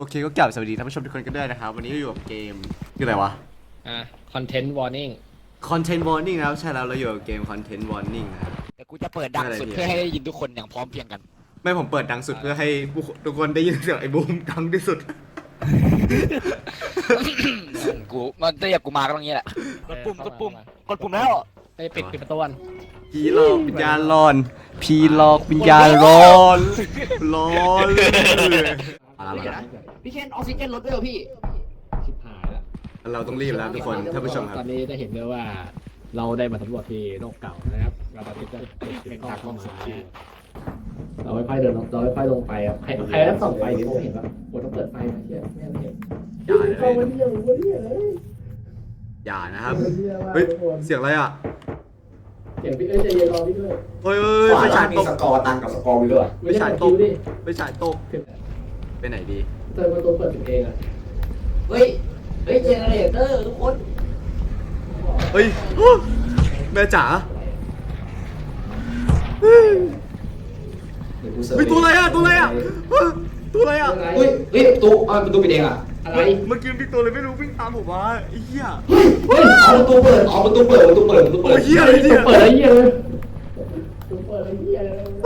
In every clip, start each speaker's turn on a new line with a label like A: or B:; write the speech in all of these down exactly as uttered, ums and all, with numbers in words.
A: โอเคก็กล่าวสวัสดีท่านผู้ชมทุกคนกันด้วยนะครับวันนี้เราอยู่กับเกมคืออะไรวะ
B: อ่ะ content warning
A: Content Warning นะครับใช่แล้วเราอยู่กับเกม Content Warning นะครับ
C: แต่กูจะเปิดดังสุดเพื่อให้ได้ยินทุกคนอย่างพร้อมเพรียงกัน
A: ไม่ผมเปิดดังสุดเพื่อให้ผู้ทุกคนได้ยินเสียงไอ้บูมดังที่สุด
C: กูมันเรียกกูมาก็ต้องงี้แหละกดปุ่มกดปุ่มกดปุ่มแล้ว
B: ไปปิดปิดประตูกัน
A: ผีหลอกวิญญาณร้อนผีหลอกวิญญาณร้อนร้อนอะไรวะ
C: พี่เคนออกซิเจนลดด้วยเหรอพี่
B: ชิบหายแล้ว
A: เราต้องรีบแล้วทุกคนท่านผู้ชมค
B: ต
A: รั
B: อบ นนี้จะเห็นได้ว่า เราได้มาสำรวจที่โลกเก่านะครับเราตอนนี้จะเป็นทางเข้ามาเราค่อยๆเดินเราค่อยๆลงไปครับใครใครได้ส่องไฟดิผมเห็นว่าผมต้องเปิดไฟมาเชียร์ไม่เห็น
A: อย่าเลย
B: เข้ามาเที่ยวมาเที่ยวเลย
A: อย่านะครับเฮ้ยเสียงอะไรอ่ะ
B: เสียงพี่เอ้ยใจเย็นรอพี่ด้วย
A: เฮ้ยเฮ้ยไปฉายตก
D: สกอร์ตังกับสกอร์วิลเลอร์
A: ไปฉายตก
B: ดิ
A: ไปฉายตกไปไหนดี
B: เติมประตูเปิดเองอ่ะ
C: เฮ้ยเฮ้ยเจเนเรเตอร์ทุกคน
A: เฮ้ยแม่จ๋า
D: เดี๋ยวกูเสิร์ฟ
A: เฮ้ยตัวอะไรอ่ะตัวอะไรอ่ะเฮ้ยตัวอะไรอ่ะ
D: เฮ้ยเฮ้ยประตูอ่าประตูปิดเองอ่ะ
B: อะไร
A: เมื่อกี้พี่ตัวเลยไม่รู้วิ่งตามผมมาไอ้เหี้ย
D: เฮ้ยเอาประตูเปิดเอาประตูเปิดประตูเปิดประตูเปิ
A: โอ้
D: ด
A: ยเหี้ยอะไรเนี่ย
B: เปิดอะไรเหี้ยเลยเปิดอะไรเหี้ยเลย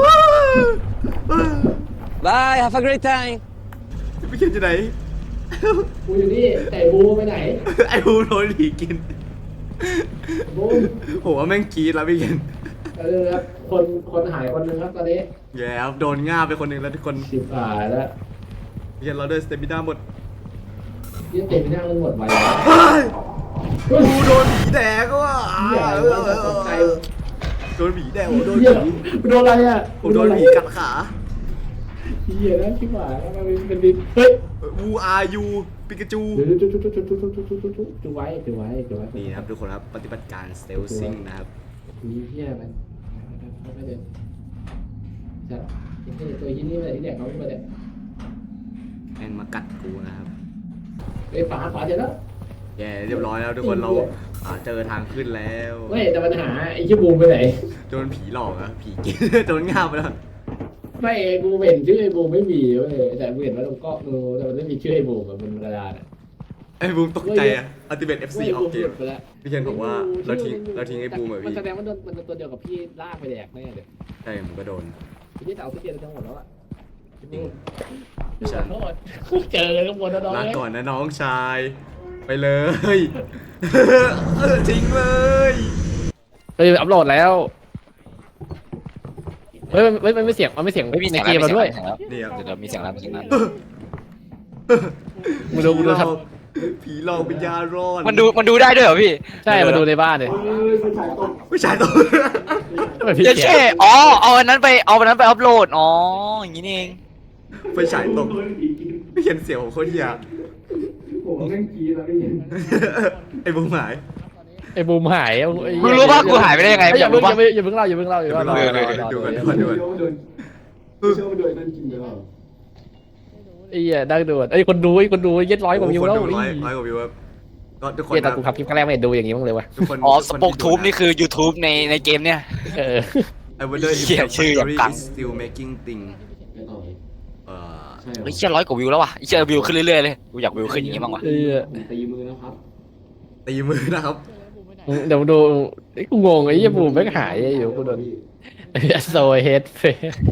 C: Bye have a great time
A: พี่เขียนจะไหน
B: กูอยู่นี่แต่บูไปไหน
A: ไอ้บูโดนผีกิน
B: บูม
A: ผมว่าแม่งกรีดแล้วพี่เขียน
B: เออครับคนคนหายคนหนึงครับตอนนี้
A: แย่ครับโดนง่าไปคนหนึ่งแล้วทุกคน
B: สิบหายแล้ว
A: พี่เขียนเราเดินสเตมิน่าหมด
B: ยี่เต็มไปนั่งมันหมดไป
A: เฮ้ยกูโดนผีแดกว่ะ
B: เหี้ยอะไรวะตกใจ
A: โดนผีแดกผมโดน
B: เหี้ย
A: ผี
B: โดนอะไรอ่ะ
A: ผมโดนผีกัดขา
B: เหี้ยนะชิบหายแล้วมันเป็นดิเฮ้ย
A: วูอาร์ยูปิกาจู
B: จุ๊จุ๊จุ๊จุ๊จุ๊จุ๊จุ๊จุ๊จุ๊จุ๊ไว้จุ๊ไว้จุ๊ไว้
A: นี่นะครับทุกคนครับปฏิบัติการสเตลซิงนะครับ
B: มีเหี้ยมันไม่เดินจัดไอ้ตัวยี่นี่มาที่แดกเขาไม่มาแดก
A: แม่งมากัดกูนะครับ
B: ไอ้ฝาฝาเสร็จแล้ว
A: แย่เรียบร้อยแล้วทุกคนเราอ่าเจอทางขึ้นแล้ว
B: เฮ้ยแต่ปัญหาไอ้ชื่อบูมไปไหน
A: โดนผีหลอกอะผีกิน โดนง่าไปแล้ว
B: ไม่กูเห็นชื่อไอ้บูมไม่มีเว้ยแต่กูเห็นว่าตรงกล้องดูแต่มันไม่มีชื่อไอ้บูมแบบบนกระดานอ่ะ
A: ไอ้บูมตกใจอะอัลติเมทเอฟซีออกเกม
B: ไปแล้ว
A: พี่เคนบอกว่าเราทิ้งเราทิ้งไอ้บูมอะ
B: มัน
A: พี่
B: แสดงว่าโดนมันตัวเดียวกับพี่ลากไปแดกแน่เลย
A: ใช่ผมก็โดน
B: พี่จะเอาพี่เกียร์ทั้งหมดแล้วอ่ะ
A: จริง
B: ขอโทษเจอข้างบนแล้วน้อง
A: ลา
B: เลย
A: ก่อนนะน้องชาย ไปเลย เออทิ้งเลย
B: เฮ้ยอัพโหลดแล้วเฮ้ยมันมันไม่เสียงมันไม่เสียง
C: ไม่มี
B: ใน
C: เสียง
B: เกมเราด้วย
A: นี่ครับ
C: เดี๋ยวมีเสียงแล้วมีเสียงแล้ว
B: มึงดูมึงดูครับ
A: ผีหลอกวิญญาณร้อน
C: มันดูมันดูได้ด้วยเหรอพี่
B: ใช่มาดูในบ้านเลย
A: ผู้ชายตัว
B: ทำไมพี่
C: เจ๊
B: เกีย
C: เช่
B: ร์
C: อ๋อเอาอันนั้นไปเอาอันนั้นไปอัพโหลดอ๋ออย่างนี้นี่เอง
A: ไปฉายตกไม่เห็นเสียงของโคตรเฮีย
D: ผมแม่งกี้แล้วไม่เห็น
A: ไอ้บูมหาย
B: ไอ้บูมหายไอ้
C: มึงรู้ป่ะกูหายไปได้ยังไง
B: อย่า
C: อ
B: เพิ่
C: ยาง กรู้
B: อย่า
C: ป่ะ
B: เพิ่งอย่าเพิ่งเล่าอย่าเพิ่งเล่าอย่าเพิ่งเล่า
A: เดี๋ยวดูก่อนดูก่อนดูก่อนดูก่อนดูก่อน
D: เชื่อว่าโดนนั่นจริงหรือเปล่า
B: ไอ้เหี้ยดังโดดไอ้คนดูไอ้คนดูเย็ดร้อยกว่าวิว
A: คน
B: แล้ว
A: ดูร้อยร้อยกว่าวิวครับก็ทุกคน
B: เหี้ยแต่
A: นะ
B: กูขับคลิปครั้งแรกไม่เห็นดูอย่างนี้มั้งเลยวะ
A: ทุกคน
C: อ๋อส
A: ทุกค
C: ปอค
A: ที่
C: ทูบ
A: ดูะ
C: นี่คือ YouTube ในในเกมเนี่ย
B: เออ
A: I wonder if
C: เหี้ย
A: the
C: ชื่อแบบ
A: factory
C: กัง
A: is still making thing
D: ไม่ต่อ
A: เอ่อ
D: ใช่เหรอ
C: เฮ้ยเชี่ยร้อยกว่าวิวแล้วว่ะเชี่ยวิวขึ้นเรื่อยๆเลยกูอยากวิวขึ้นอย่างงี้บ้างว่ะ
B: ไอ้เหี้ย
D: ผมตีมือนะครับ
A: ตีมือนะครับ
B: เดี๋ยวดูไอ้กูงงไอ้เหี้ยบูมไม่งหายไอ้อยู่กูโดนโซเฮดเฟ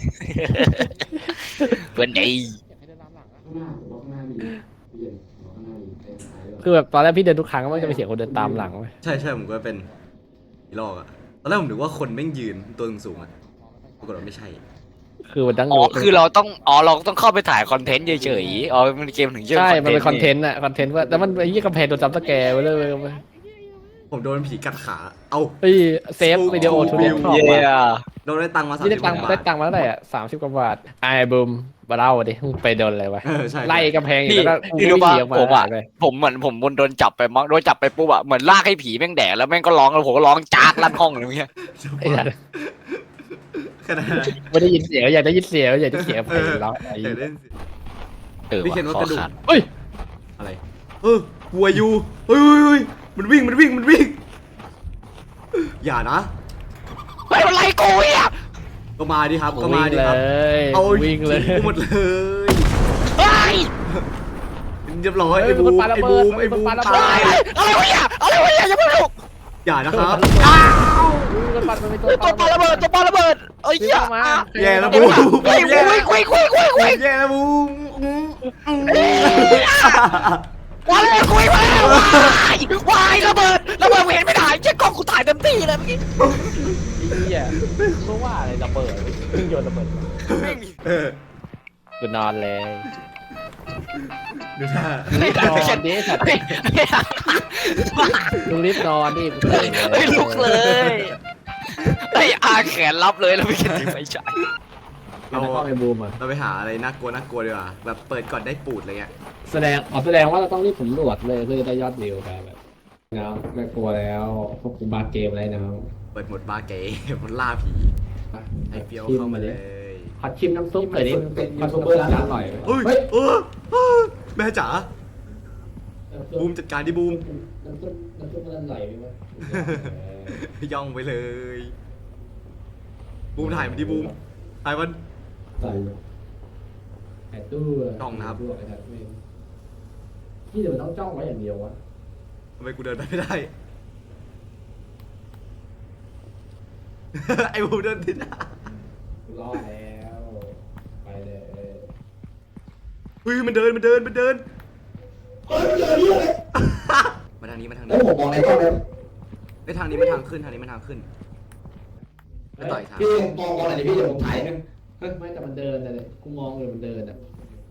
C: เพื่อนไอ้
D: ข้างหน้าผมบอกข้างหน้าดีเปลี่ยนบอกข้างหน้าดีไปซ้ายก่อน
B: คือแบบตอนแรกพี่เดินทุกครั้งมันจะมีเสียงคนเดินตามหลังเว้ย
A: ใช่ใช่ผมก็เป็นผีหลอกอะตอนแรกผมนึกว่าคนแม่งยืนตัวสูงๆอะปรากฏว่าไม่ใช่
B: คือมันดัง
C: อ๋อคือเราต้องอ๋อเราต้องเข้าไปถ่ายคอนเทนต์เฉยๆอ๋อมันเกมถึงชื่อ
B: ใช่มันเป็นคอนเท
C: ต์
B: นต์อะคอนเทนต์ว่าแต่มันไอ้ยี่กำแพงโดนจับตะแกร์ไปเลยเว้ย
A: ผมโดนผีกัดขา เอ้า
B: เฮ้ยเซฟวิดีโอทุก
A: วิ
B: เรื่
A: ว
B: องชอบ
C: เย้
B: ว่ะ
A: โดนได้ตังค์มาสาม
B: นี่
A: สิ
B: ได้
A: บ
B: ตังค์
A: บา
B: ได้
A: ท
B: ตังค์มาเท่าไหร่อ่ะสามสิบกว่าบาทไอ้บูมมาเล่าดิมึงไปโดนอะไรวะ
A: เออใช่
B: ไล่กำแพงอีก
C: พี่
B: แล้วก็
C: พี่รู้ป่ะ
B: วิ่งหนีออก
C: ผมอ่ะ
B: เลย
C: ผมเหมือนผมโดนจับไปมั้งโดนจับไปปุ๊บอ่ะเหมือนลากให้ผีแม่งแดกแล้วแม่งก็ร้องแล้วผมก็ร้องจากลั่นห้องเลยเงี้ย
B: ไอ้สัส
A: ขนาดนั้น
B: ไม่ได้ยินเสียงอยากได้ยินเสียงอยากได้เสียงเพลงแล้วไอ้
A: อยากเล่นสิ
C: เออ
A: พี่เขียนว่า
C: ว่ะ
A: กระดูก
C: คอขาด
B: เฮ้ย
A: อะไร เออวัวอยู่เฮ้ยเฮ้ยเฮ้ยมันวิ่งมันวิ่งมันวิ่ง อย่านะ
C: เฮ้ยมันไล่กูอ่ะ
A: ก็มาดิครับก็มา
B: วิ่ง
A: ดิ
B: เล
A: ครับ
B: ย
A: เอา
B: วิ่งเลย
A: ทิ้หมดเลย
C: เฮ้ย
A: เรียบร้อยไอ้บูมไอ้บูมไอ้บูมตาย
C: อะไรวะเนี่ยอะไรวะเนี่ยอย่าเพิ่งลุก
A: อย่านะครับ
B: มันปัดมันเป็นตัว
C: ตัวปาระเบิดตัวปาระเบิดเอ้ย
B: เย
C: เหี้ย
B: อะมา
A: แย่แล้วบูม
C: เฮ้ย
A: แย่
C: คุยคุยคุยคุยคุย
A: แย่แล้วบูม
C: มาเลยคุยมาแล้ววายวายระเบิดระเบิดเห็นไม่ได้เจ๊กล้องกูถ่ายเต็มที่เลยเมื่อกี้
B: เหี้ยเพราะว่าอะไรระเบิดเพิ่งโยนระเบิด
A: เออ
B: กูนอนเลย
A: ดูท่าน
B: อนดิสัตว์ลุงรีบนอนดิตื่น
C: เฮ้ยลุกเลยไอ้อาแขนรับเลยแล้วไม่คิดถึงไม่ใช่
B: เราก็ไปบูมอ่ะ
A: เราไปหาอะไรน่ากลัวน่ากลัวดีกว่าแบบเปิดก่อนได้ปูดอะไรเงี้ย
B: แสดงอ๋อแสดงว่าเราต้องรีบสำรวจเลยเพื่อจะได้ยอดวิวกันแบบนะไม่กลัวแล้วพวกกูบาเกมอะไรนะ
A: เปิดหมดบาร์เก๋มันล่าผีไอ้เปียวเข้ามาเลย
B: ผัดชิมน้ำซุปหน่อยดิเป็นยูทูบเบอร์ร้านอร่อย
A: เฮ้ยเออเออแม่จ๋าบูมจัดการดิบูม
B: น้ำซุปน้ำซุปมันไหลไหมวะ
A: ย่องไปเลย บูมถ่ายมันดิบูมถ่ายมัน
B: ใส่ไอ้ตู้ที่เดี๋ยวมันต้องจ้องไว้อย่างเดียววะ
A: ทำไมกูเดินไปไม่ได้ ไอ้บูมเดินติด
B: รอดแล้วไปเลย
A: เฮ้ยมันเดินมันเดินมันเดินมาทางนี้มาทางนี้
B: เฮ้ยผมมองอะไรก็แล้ว
A: ไอ้ทางนี้มันทางขึ้นทางนี้มันทางขึ้นไปต่อยทาง
B: พี่มองอะไรพี่เดี๋ยวผมถ่ายนึงไม่แต่มันเดินเลยกูมองเลยมันเดินอ่ะ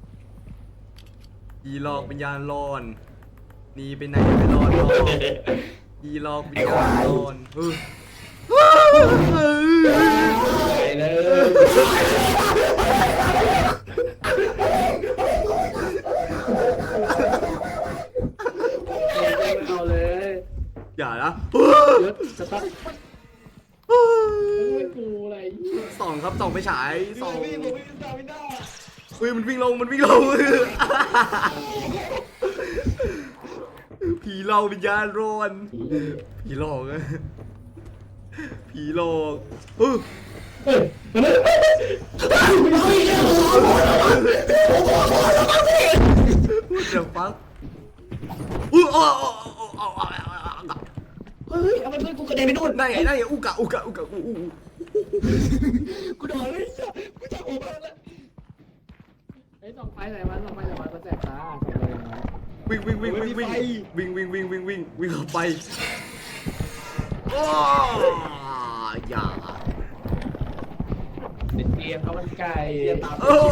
A: ยีหลอกวิญญาณร้อนหนีไปไหนไปรอดรอยีหลอกวิญญาณร้อนเออ
B: ไปเลยเอาเลย
A: อย่านะ
B: ยศจะตั้งไม่กูอะไร
A: ส่องครับส่องไปฉายส่องเฮ้ยมันวิ่งลงมันวิ่งลงผีหลอกวิญญาณร้อนผีหลอกอะผีหลอกเออเดี๋ยวปั๊บอู้อ๋อเฮ้ยเอาไปเพื่อนกูกระเด็นไปนู่นได้ไงได้ไงอุกะอุกะอุกะอูอูกูโดนเลยกูจะอุกะแล้ว
B: ไอ้ส่องไฟไหนมันส่องไฟไหนมันมันแสบตา
A: วิ่งวิ่งวิ่งวิ่งวิ่งวิ่งวิ่งวิ่งวิ่งวิ่งวิ่งเข้าไปโอ้อย่า
B: เป็นเตียงเขามันไก่ตาม
A: เออ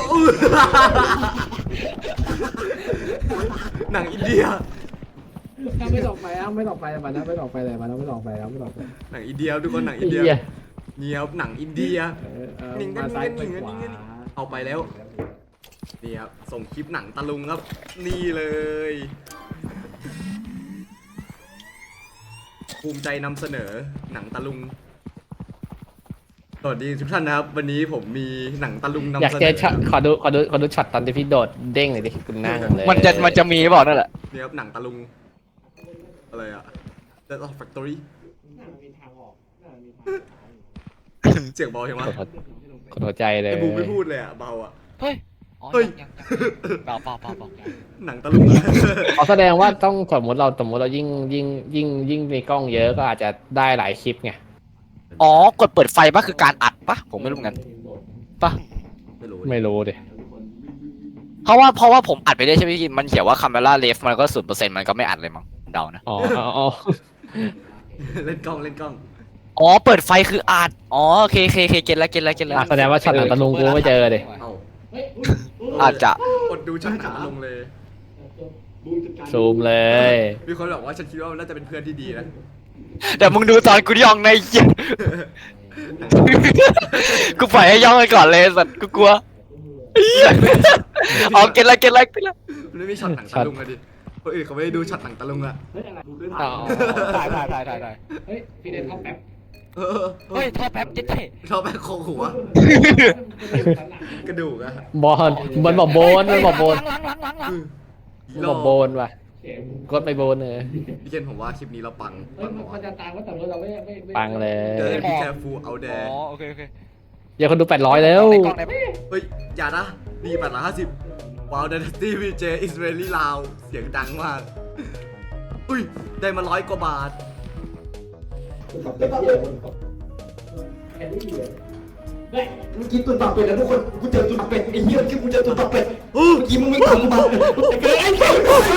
A: หนังอินเดีย
B: ไม่ส่องไฟอ่ะไม่ส่องไฟมันนะไม่ส่องไฟเลยมันไม่ส่องไฟแล้วไม่ส่องไฟ
A: หนังอินเดียทุกคนหนังอินเดียเนียบหนังอินเดีย นิ่งกัน
B: มาซ้ายไป
A: นิ่ง
B: ข
A: กัน
B: วา
A: นิ่งกัน เอาไปแล้วนี่ครับส่งคลิปหนังตะลุงครับนี่เลยภูมิใจนำเสนอหนังตะลุงสวัสดีทุกท่านนะครับวันนี้ผมมีหนังตะลุงนำ
B: อยาก
A: เสน
B: เจอ
A: อ
B: ช็อตขอดูขอดูขอดูช็อตตอนที่พี่โดดเด้งหน่อยดิคุณนั่งเลย
C: มันจะมันจะมีบอกนั่นแหละ
A: นี่ครับหนังตะลุงอะไรอะ Death of Factory เสียงเบาใช่ไหม
B: ขอหัวใจเลย
A: ไอ้บูมไม่พูดเลยอะเบาอะ
C: เฮ้ยอ๋อ
A: เฮ้ย
C: ยังยังเปล่าเปล่าเปล่าเปล่า
A: หนังตะลุงอะ
B: เขาแสดงว่าต้องสมมติเราสมมติเรายิ่งยิ่งยิ่งยิ่งในกล้องเยอะก็อาจจะได้หลายคลิปไง
C: อ๋อกดเปิดไฟปะคือการอัดปะผมไม่รู้เหมือนกันปะ
A: ไม่รู้
B: ไม่รู้ดิ
C: เพราะว่าเพราะว่าผมอัดไปได้ใช่ไหมพี่มันเขียนว่า camera left มันก็ศูนย์เปอร์เซ็นต์มันก็ไม่อัดเลยมั้งเดานะ
B: อ๋ออ๋อ
A: เล่นกล้องเล่นกล้อง
C: อ๋อเปิดไฟคืออัดอ๋อโอเคโอเคโอเคเก็ตแล้วเก็ตแล้วเก็ตแล้ว
B: แสดงว่าช็อตหนังตะลุงกูไม่เจอดิ
A: เอ้า
C: อาจจะ
A: กดดูช่องหนังตะลุงเลย
B: ซูมเลย
A: มีคนบอกว่าฉันคิดว่ามันน่าจะเป็นเพื่อนที่ดีนะ
C: แต่มึงดูตอนกูย่องในเหี้ยกูปล่อยให้ย่องไปก่อนเลยสัตว์กูกลัวอ๋อเก็ตแล้วเก็ตแล้วเก็ตแล้ว
A: มันไม่มีช็อตหนังตะลุงอะดิคนอื่นเขาไม่ได้ดูช็อตหนังตะลุงอะ
B: อ๋อ
C: ถ่ายถ่ายถ่ายถ่ายถ่าย
B: เฮ้ยพี่เดนเข้าแป๊บ
A: เออ
C: เฮ้ยท่อแป๊บเจ๊เจ๊
A: ชอบแม่โคงหัวกระดูกอะ
B: บอลมันบอกโบนมันบอกโบน
C: หลังหลังหลังหลัง
B: มันบอกโบนว่ะกดไปโบนเลย
A: พี่เกนผมว่าคลิปนี้เราปังปัง
B: มันจะตามว่าแต่เราไม่ไม่ปังเล
A: เจ
B: ย
A: อพี่แคฟูเอาแด
C: อ๋
A: ง
C: อโอเคโอเค
B: อย่าคนดูแปดร้อยแล้ว
C: ในกล้องไหน
A: เฮ้ยอย่านะดีแปดร้อยห้าสิบว้าว Dynasty วี เจ is very loud เสียงดังมาก อุ้ย ได้มาร้อยกว่าบาท
B: แค่นี้เลยเฮ้ยเมื่อกี้ตุนปากเป็ดนะทุกคนกูเจอตุนปากเป็ดไอ้เหี้ยเมื่อกี้กูเจอตุนปากเป็ด
A: อู้
B: เมื่อกี้มึงไม่ทำมาไอ้เกิดไอ้เกิด